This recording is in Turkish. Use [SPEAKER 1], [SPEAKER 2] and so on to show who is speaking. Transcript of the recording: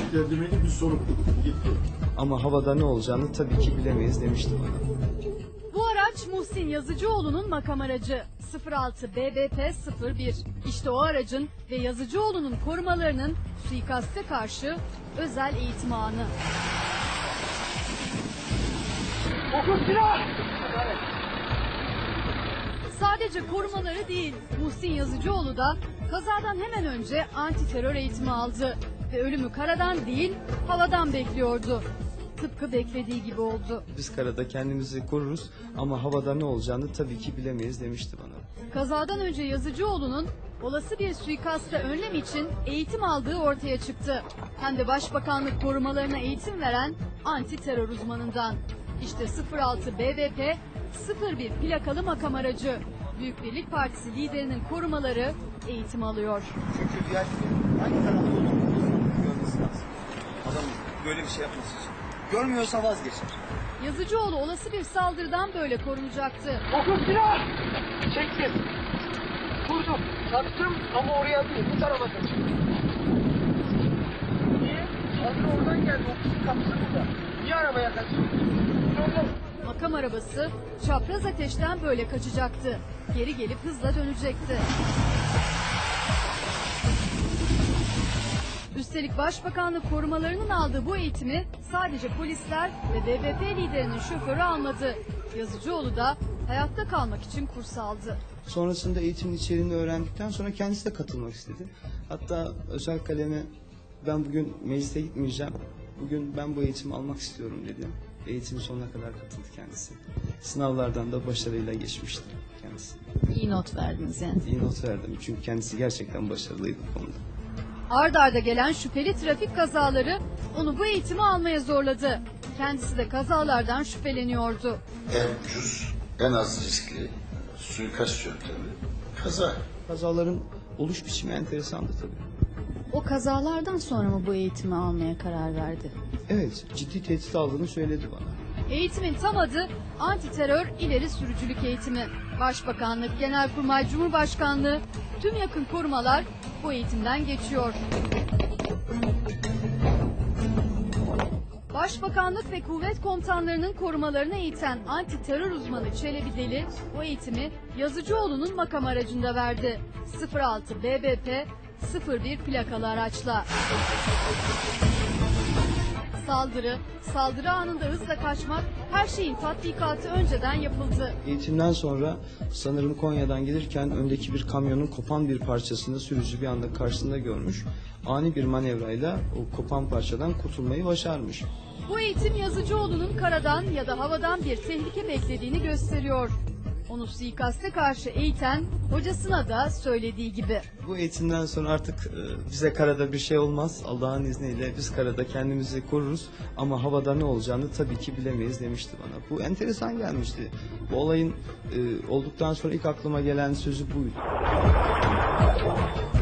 [SPEAKER 1] beklenmediği bir sonuç gitti.
[SPEAKER 2] Ama havada ne olacağını tabii ki bilemeyiz demişti bana.
[SPEAKER 3] Bu araç Muhsin Yazıcıoğlu'nun makam aracı 06 BBP 01. İşte o aracın ve Yazıcıoğlu'nun korumalarının suikaste karşı özel eğitim anı. Sadece korumaları değil, Muhsin Yazıcıoğlu da kazadan hemen önce anti terör eğitimi aldı ve ölümü karadan değil, havadan bekliyordu. Tıpkı beklediği gibi oldu.
[SPEAKER 2] Biz karada kendimizi koruruz ama havada ne olacağını tabii ki bilemeyiz demişti bana.
[SPEAKER 3] Kazadan önce Yazıcıoğlu'nun olası bir suikasta önlem için eğitim aldığı ortaya çıktı. Hem de Başbakanlık korumalarına eğitim veren anti terör uzmanından. İşte 06 BBP 01 plakalı makam aracı. Büyük Birlik Partisi liderinin korumaları eğitim alıyor.
[SPEAKER 4] Çünkü diğer hangi tarafta olduğunu görmesi lazım. Adam böyle bir şey yapması için. Görmüyorsa vazgeçer.
[SPEAKER 3] Yazıcıoğlu olası bir saldırıdan böyle korunacaktı.
[SPEAKER 5] Dokuz silah! Çektim. Vurdum. Taktım ama oraya değil. Bu tarafa kaçtım. Niye? Saldırı oradan geldi. Ofisin kapısı burada. Niye arabaya kaçtın?
[SPEAKER 3] Makam arabası çapraz ateşten böyle kaçacaktı. Geri gelip hızla dönecekti. Üstelik Başbakanlık korumalarının aldığı bu eğitimi sadece polisler ve BBP liderinin şoförü almadı. Yazıcıoğlu da hayatta kalmak için kurs aldı.
[SPEAKER 2] Sonrasında eğitimin içeriğini öğrendikten sonra kendisi de katılmak istedi. Hatta özel kaleme ben bugün meclise gitmeyeceğim. Bugün ben bu eğitimi almak istiyorum dedi. Eğitimin sonuna kadar katıldı kendisi. Sınavlardan da başarıyla geçmişti kendisi.
[SPEAKER 3] İyi not verdiniz yani.
[SPEAKER 2] İyi not verdim çünkü kendisi gerçekten başarılıydı bu konuda.
[SPEAKER 3] Ard arda gelen şüpheli trafik kazaları onu bu eğitimi almaya zorladı. Kendisi de kazalardan şüpheleniyordu.
[SPEAKER 1] En ucuz, en az riskli suikast yöntemi kaza.
[SPEAKER 2] Kazaların oluş biçimi enteresandı tabii.
[SPEAKER 3] O kazalardan sonra mı bu eğitimi almaya karar verdi?
[SPEAKER 2] Evet, ciddi tehdit aldığını söyledi bana.
[SPEAKER 3] Eğitimin tam adı Anti Terör İleri Sürücülük Eğitimi. Başbakanlık, Genelkurmay, Cumhurbaşkanlığı tüm yakın korumalar bu eğitimden geçiyor. Başbakanlık ve kuvvet komutanlarının korumalarını eğiten anti terör uzmanı Çelebi Deli bu eğitimi Yazıcıoğlu'nun makam aracında verdi. 06 BBP 01 plakalı araçla. Saldırı anında hızla kaçmak, her şeyin tatbikatı önceden yapıldı.
[SPEAKER 2] Eğitimden sonra sanırım Konya'dan gelirken öndeki bir kamyonun kopan bir parçasını sürücü bir anda karşısında görmüş. Ani bir manevrayla o kopan parçadan kurtulmayı başarmış.
[SPEAKER 3] Bu eğitim Yazıcıoğlu'nun karadan ya da havadan bir tehlike beklediğini gösteriyor. Onu suikaste karşı eğiten hocasına da söylediği gibi.
[SPEAKER 2] Bu eğitimden sonra artık bize karada bir şey olmaz. Allah'ın izniyle biz karada kendimizi koruruz ama havada ne olacağını tabii ki bilemeyiz demişti bana. Bu enteresan gelmişti. Bu olayın olduktan sonra ilk aklıma gelen sözü buydu.